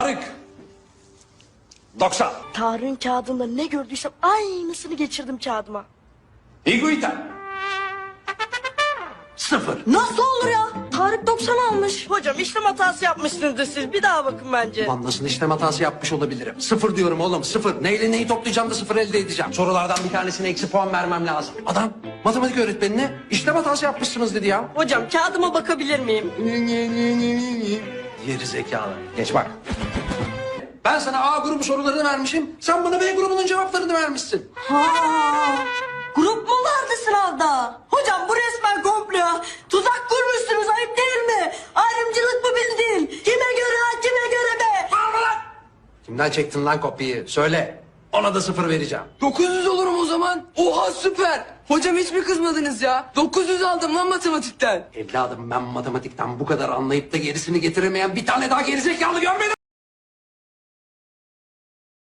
Tarık. 90. Tarık'ın kağıdında ne gördüysem aynısını geçirdim kağıdıma. Higuita. 0. Nasıl olur ya? Tarık 90 almış. Hocam işlem hatası yapmışsınızdır siz. Bir daha bakın bence. Lan nasıl işlem hatası yapmış olabilirim? 0 diyorum oğlum, 0. Neyle neyi toplayacağım da 0 elde edeceğim. Sorulardan bir tanesine eksi puan vermem lazım. Adam matematik öğretmenine işlem hatası yapmışsınız dedi ya. Hocam kağıdıma bakabilir miyim? Geri zekalı. Geç bak. Ben sana A grubu sorularını vermişim. Sen bana B grubunun cevaplarını vermişsin. Ha, grup mu vardı sınavda? Hocam bu resmen komplo. Tuzak kurmuşsunuz, ayıp değil mi? Ayrımcılık mı bildin? Kime göre ha, kime göre be? Kimden çektin lan kopyayı? Söyle. Ona da 0 vereceğim. 900 olurum o zaman. Oha süper. Hocam hiç mi kızmadınız ya? 900 aldım lan matematikten. Evladım ben matematikten bu kadar anlayıp da gerisini getiremeyen bir tane daha gerizekalı görmedim.